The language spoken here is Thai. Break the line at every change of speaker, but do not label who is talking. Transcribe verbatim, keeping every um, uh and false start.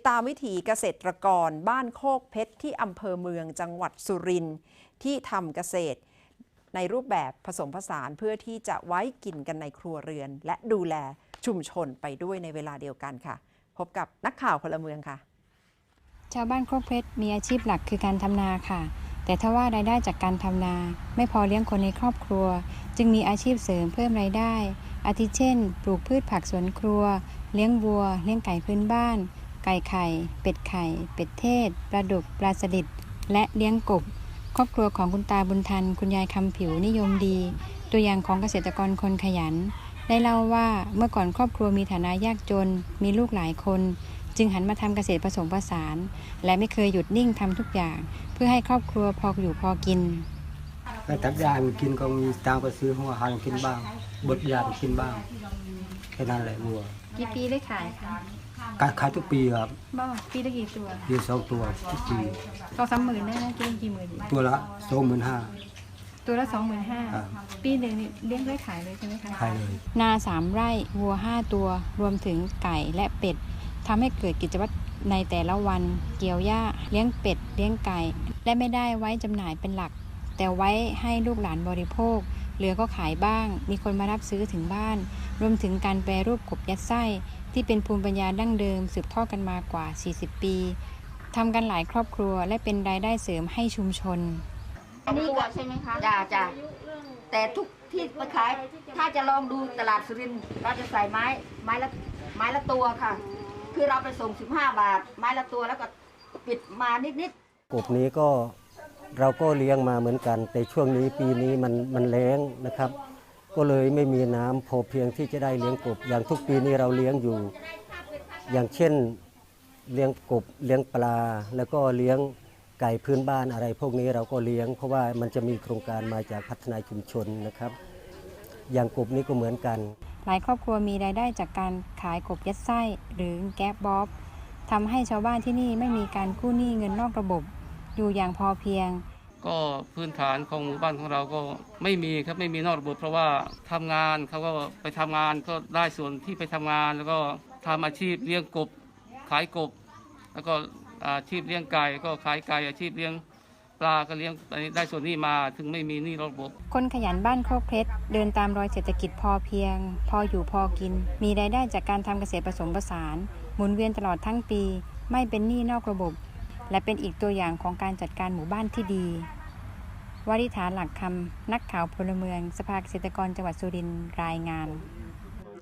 ตามวิถีเกษตรกรบ้านโคกเพชรที่อำเภอเมืองจังหวัดสุรินทร์ที่ทำเกษตรในรูปแบบผสมผสานเพื่อที่จะไว้กินกันในครัวเรือนและดูแลชุมชนไปด้วยในเวลาเดียวกันค่ะพบกับนักข่าวพลเมืองค่ะ
ชาวบ้านโคกเพชรมีอาชีพหลักคือการทำนาค่ะแต่ถ้าว่ารายได้จากการทำนาไม่พอเลี้ยงคนในครอบครัวจึงมีอาชีพเสริมเพิ่มรายได้อาทิเช่นปลูกพืชผักสวนครัวเลี้ยงวัวเลี้ยงไก่พื้นบ้านไก่ไข่เป็ดไข่เป็ดเทศปลาดุกปลาสลิดและเลี้ยงกบครอบครัวของคุณตาบุญทันคุณยายคำผิวนิยมดีตัวอย่างของเกษตรกรคนขยันได้เล่าว่าเมื่อก่อนครอบครัวมีฐานะยากจนมีลูกหลายคนจึงหันมาทำเกษตรผสมผสานและไม่เคยหยุดนิ่งทำทุกอย่างเพื่อให้ครอบครัวพออยู่พอกิน
ไปตัดยากินก็มีตังก็ซื้อหัวหางกินบ้างบดยากินบ้างแค่นั้นแหละวัว
กี่ปีได้ขายคะ
การขายทุกปีครับ
บ้าปีละกี่ตัว
ปีสองตัวทุกปี
สองสามหมื่นได้นะกี่กี่หมื่น
ตัวละสองหมื่นห้า
ตัวละสองหมื่นห้าปีหนึ่งเลี้ยงได้ขายเลยใช่ไหมคะ
ขายเลย
นาสามไร่วัวห้าตัวรวมถึงไก่และเป็ดทำให้เกิดกิจวัตรในแต่ละวันเกี่ยวหญ้าเลี้ยงเป็ดเลี้ยงไก่และไม่ได้ไว้จำหน่ายเป็นหลักแต่ไว้ให้ลูกหลานบริโภคเหลือก็ขายบ้างมีคนมารับซื้อถึงบ้านรวมถึงการแปรรูปกบยัดไส้ที่เป็นภูมิปัญญาดั้งเดิมสืบทอดกันมากว่าสี่สิบปีทำกันหลายครอบครัวและเป็นรายได้เสริมให้ชุมชน
อันนี้ก็ใช่ไหมคะจ้าจ้าแต่ทุกที่ไปขายถ้าจะลองดูตลาดสุรินทร์เราจะใส่ไม้ไม้ละไม้ละตัวค่ะคือเราไปส่งสิบห้าบาทไม้ละตัวแล้วก็ปิดมานิด
ๆกบนี้ก็เราก็เลี้ยงมาเหมือนกันแต่ช่วงนี้ปีนี้มันมันแล้งนะครับก็เลยไม่มีน้ำพอเพียงที่จะได้เลี้ยงกบอย่างทุกปีนี้เราเลี้ยงอยู่อย่างเช่นเลี้ยงกบเลี้ยงปลาแล้วก็เลี้ยงไก่พื้นบ้านอะไรพวกนี้เราก็เลี้ยงเพราะว่ามันจะมีโครงการมาจากพัฒนาชุมชนนะครับอย่างกบนี้ก็เหมือนกัน
หลายครอบครัวมีรายได้จากการขายกบยัดไส้หรือแก๊บบ๊อบทำให้ชาวบ้านที่นี่ไม่มีการกู้หนี้เงินนอกระบบอยู่อย่างพอเพียง
ก็พื้นฐานของหมู่บ้านของเราก็ไม่มีครับไม่มีนอกระบบเพราะว่าทำงานเขาก็ไปทำงานก็ได้ส่วนที่ไปทำงานแล้วก็ทำอาชีพเลี้ยงกบขายกบแล้วก็อาชีพเลี้ยงไก่ก็ขายไก่อาชีพเลี้ยงปลาก็เลี้ยงได้ส่วนนี้มาถึงไม่มีหนี้ระบบ
คนขยันบ้านโคกเพชรเดินตามรอยเศรษฐกิจพอเพียงพออยู่พอกินมีรายได้จากการทำเกษตรผสมผสานหมุนเวียนตลอดทั้งปีไม่เป็นหนี้นอกระบบและเป็นอีกตัวอย่างของการจัดการหมู่บ้านที่ดีวริษฐาหลักคำนักข่าวพลเมืองสภาเกษตรกรจังหวัดสุรินทร์รายงาน